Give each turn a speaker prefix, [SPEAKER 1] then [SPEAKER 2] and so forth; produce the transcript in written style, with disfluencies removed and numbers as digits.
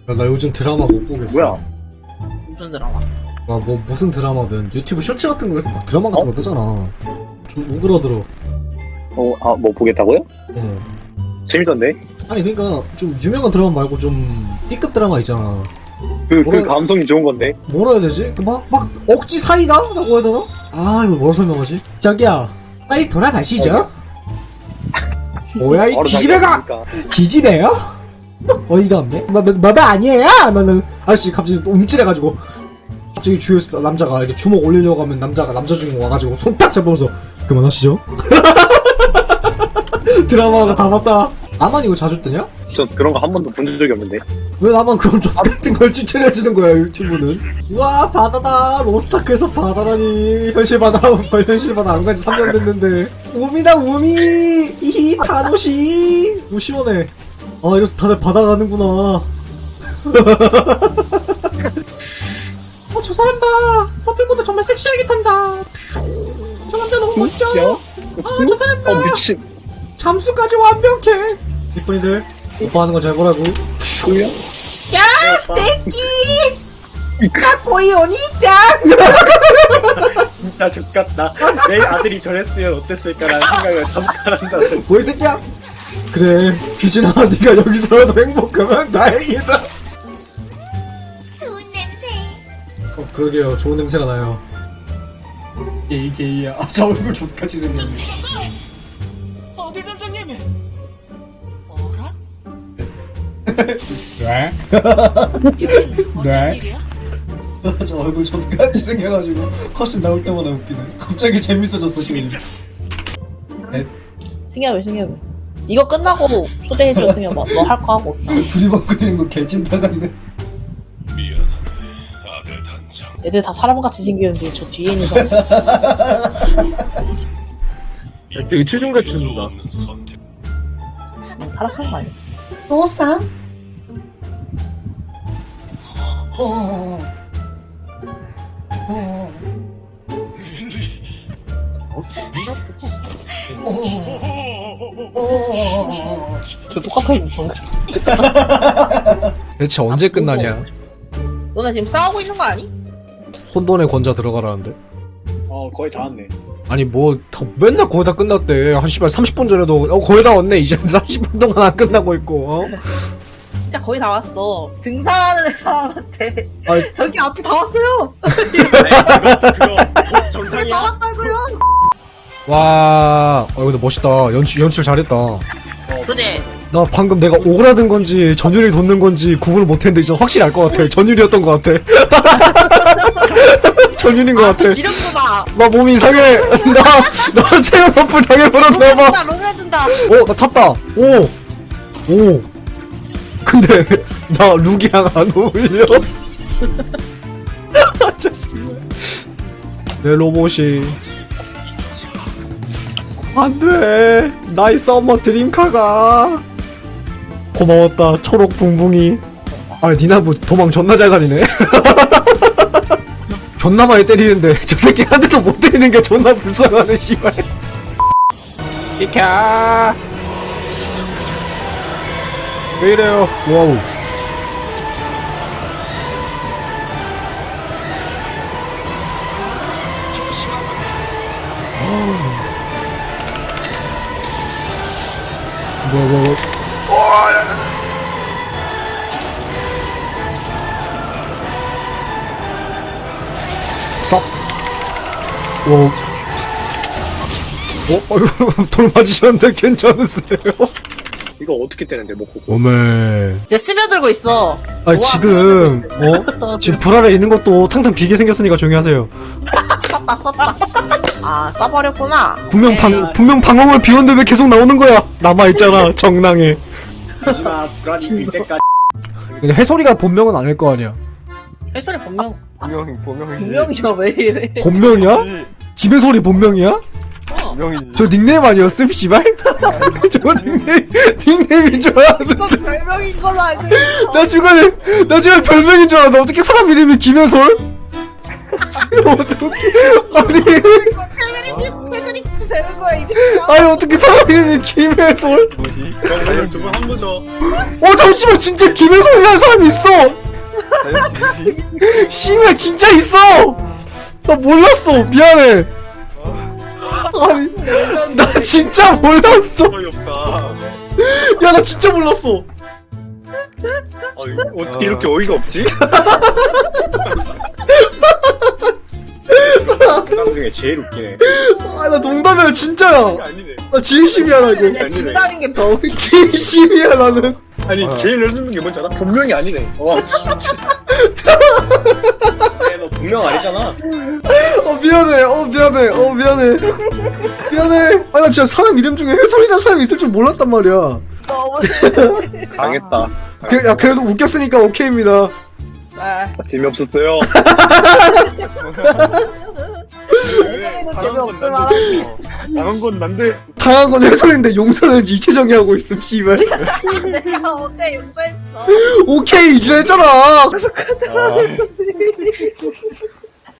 [SPEAKER 1] 야, 나 요즘 드라마 못 보겠어.
[SPEAKER 2] 뭐야?
[SPEAKER 3] 무슨 드라마?
[SPEAKER 1] 와, 뭐 무슨 드라마든 유튜브 쇼츠 같은 거에서 막 드라마 같은 거 뜨잖아. 좀 오그라들어.
[SPEAKER 2] 뭐 보겠다고요?
[SPEAKER 1] 어.
[SPEAKER 2] 재밌던데?
[SPEAKER 1] 아니 그러니까 좀 유명한 드라마 말고 좀 B급 드라마 있잖아.
[SPEAKER 2] 그
[SPEAKER 1] 뭐라-
[SPEAKER 2] 감성이 좋은 건데?
[SPEAKER 1] 뭐라 해야 되지? 막 억지 사이다? 라고 해야 되나? 아, 이걸 뭐라 설명하지? 저기요, 빨리 돌아가시죠? 뭐야, 이
[SPEAKER 2] 바로
[SPEAKER 1] 기집애가!
[SPEAKER 2] 나가니까.
[SPEAKER 1] 기집애요? 어이가 없네? 뭐가 아니에요? 하면은, 아저씨 갑자기 또 움찔해가지고, 갑자기 주위에서 남자가 이렇게 주먹 올리려고 하면 남자 주인공 와가지고 손 딱 잡으면서, 그만하시죠? 드라마가 다 봤다. 나만 이거 자주 뜨냐?
[SPEAKER 2] 저 그런 거 한 번도 본 적이 없는데.
[SPEAKER 1] 왜 나만 그런 족 같은 걸 추천해주는 거야, 유튜브는? 우와, 바다다. 로스타크에서 바다라니. 현실 바다 안 간지 3년 됐는데. 우미다, 우미! 이히, 타노시! 오, 시원해. 아, 이래서 다들 바다 가는구나. 저 사람 봐. 서핑보드 정말 섹시하게 탄다. 저 남자 너무 멋져. 저 사람 봐.
[SPEAKER 2] 미친.
[SPEAKER 1] 잠수까지 완벽해. 이쁜이들, 오빠 하는 거 잘 보라고.
[SPEAKER 2] 뭐야?
[SPEAKER 1] 야, 스테이키! 까꼬이 오니짱!
[SPEAKER 2] 진짜 족같다. 내 아들이 저랬으면 어땠을까라는 생각을 잠깐 한다.
[SPEAKER 1] 뭐 이 새끼야? 그래, 규진아, 네가 여기서라도 행복하면 다행이다.
[SPEAKER 4] 좋은 냄새.
[SPEAKER 1] 그러게요, 좋은 냄새가 나요. 게이야. 저 얼굴 족같이 생겼네.
[SPEAKER 3] 어라?
[SPEAKER 1] 네?
[SPEAKER 3] 여긴 어쩐
[SPEAKER 1] 네?
[SPEAKER 3] 일이야?
[SPEAKER 1] 저 얼굴 족같이 생겨가지고 훨씬 나올 때마다 웃기네. 갑자기 재밌어졌어, 게임.
[SPEAKER 3] 승엽이 이거 끝나고 초대해줘. 승엽아, 너 할 거 하고 없다.
[SPEAKER 1] 두리번거리는 거 개찐따 같네.
[SPEAKER 3] 애들 다 사람같이 생겼는데 저 뒤에 있는 사람
[SPEAKER 2] 되게 최종같이 준다.
[SPEAKER 3] 타락한 거 아니야?
[SPEAKER 4] 노상?
[SPEAKER 3] 저 똑같아 무슨
[SPEAKER 1] 대체 언제 끝나냐?
[SPEAKER 3] 너네 지금 싸우고 있는 거 아니?
[SPEAKER 1] 혼돈의 권자 들어가라는데?
[SPEAKER 2] 거의 다 왔네.
[SPEAKER 1] 아니 맨날 거의 다 끝났대. 한 씨발 30분 전에도 거의 다 왔네. 이제 30분 동안 안 끝나고 있고.
[SPEAKER 3] 진짜 거의 다 왔어. 등산하는 사람한테
[SPEAKER 1] 아니,
[SPEAKER 3] 저기 앞에 다 왔어요.
[SPEAKER 2] 그거
[SPEAKER 3] 다
[SPEAKER 2] 정상이야.
[SPEAKER 3] 왔다고요.
[SPEAKER 1] 와, 근데 멋있다. 연출 잘했다.
[SPEAKER 3] 그지?
[SPEAKER 1] 나 방금 내가 오그라든 건지 전율이 돋는 건지 구분을 못했는데 이제 확실히 알 것 같아. 전율이었던 것 같아. 전율인 것 같아.
[SPEAKER 3] 지렸구나.
[SPEAKER 1] 나 몸이 이상해. 나 체력 어플 당해버렸나봐.
[SPEAKER 3] 로맨든다.
[SPEAKER 1] 나 탔다. 오. 근데 나 룩이랑 안 어울려. 아저씨. 내 로봇이 안돼. 나의 서머 드림카가. 고마웠다 초록 붕붕이. 아 니나 뭐 도망 존나 잘 다니네. 존나 많이 때리는데 저 새끼 한 대도 못 때리는 게 존나 불쌍하네 씨발. 비켜. 왜 이래요? 와우. 뭐. 썩. 오. 돌 맞으셨는데 괜찮으세요?
[SPEAKER 2] 이거 어떻게 되는데 뭐 그거.
[SPEAKER 1] 오메.
[SPEAKER 3] 이제 스며들고 있어.
[SPEAKER 1] 아니
[SPEAKER 3] 우와,
[SPEAKER 1] 지금 지금 불 아래 있는 것도 탕탕 비게 생겼으니까 조용히 하세요.
[SPEAKER 3] 썼다. 아, 써버렸구나.
[SPEAKER 1] 분명 방어물 비웠는데 왜 계속 나오는 거야? 남아 있잖아 정랑에.
[SPEAKER 2] 하지마 불안이 들 때까지.
[SPEAKER 1] 근데 해소리가 본명은 아닐 거 아니야.
[SPEAKER 3] 헬소리 본명
[SPEAKER 2] 보명이지.
[SPEAKER 3] 분명이야 왜 이래?
[SPEAKER 1] 본명이야? 집의 소리 본명이야?
[SPEAKER 2] 보명이지.
[SPEAKER 1] 저 닉네임 아니었음 씨발? 저 닉네임인 줄 알았는데.
[SPEAKER 3] 이건 별명인 걸로 알고 있어.
[SPEAKER 1] 나 지금 별명인 줄 알았는데 어떻게 사람 이름이 김현솔? 어떻게 아니
[SPEAKER 3] 패드립 되는 거야, 이 새끼야.
[SPEAKER 1] 아니 어떻게 사람 이름이 김혜솔?
[SPEAKER 2] 뭐지? 그럼 오늘 두분 한 거죠.
[SPEAKER 1] 잠시만 진짜 김혜솔이라는 사람이 있어. 씨발 진짜 있어. 나 몰랐어. 미안해. 아니 나 진짜 몰랐어.
[SPEAKER 2] 어이없다.
[SPEAKER 1] 야 나 진짜 몰랐어.
[SPEAKER 2] 어떻게 이렇게 어이가 없지? 그당 중에 제일 웃기네.
[SPEAKER 1] 아 나 농담이야 진짜야.
[SPEAKER 2] 아니네.
[SPEAKER 1] 나 진심이야 나 이거.
[SPEAKER 2] 아니네.
[SPEAKER 3] 진다는 게 더.
[SPEAKER 1] 진심이야 나는.
[SPEAKER 2] 아니 제일 열받는 게 뭔지 알아? 본명이 아니네. 와 진짜. 너 본명 아니잖아.
[SPEAKER 1] 미안해. 미안해. 미안해. 아 나 진짜 사람 이름 중에 혜솔이라는 사람이 있을 줄 몰랐단 말이야.
[SPEAKER 3] 너무.
[SPEAKER 2] 당했다.
[SPEAKER 1] 야 그래도 웃겼으니까 오케이입니다.
[SPEAKER 3] 아,
[SPEAKER 2] 재미없었어요.
[SPEAKER 3] 예전에도 재미없을 만한.
[SPEAKER 2] 당한 건 난데.
[SPEAKER 1] 당한 건 혜솔인데 용서는 이채정이 하고 있음 씨발.
[SPEAKER 3] 내가 어제 용서했어.
[SPEAKER 1] 오케이 이제 했잖아.
[SPEAKER 2] 아,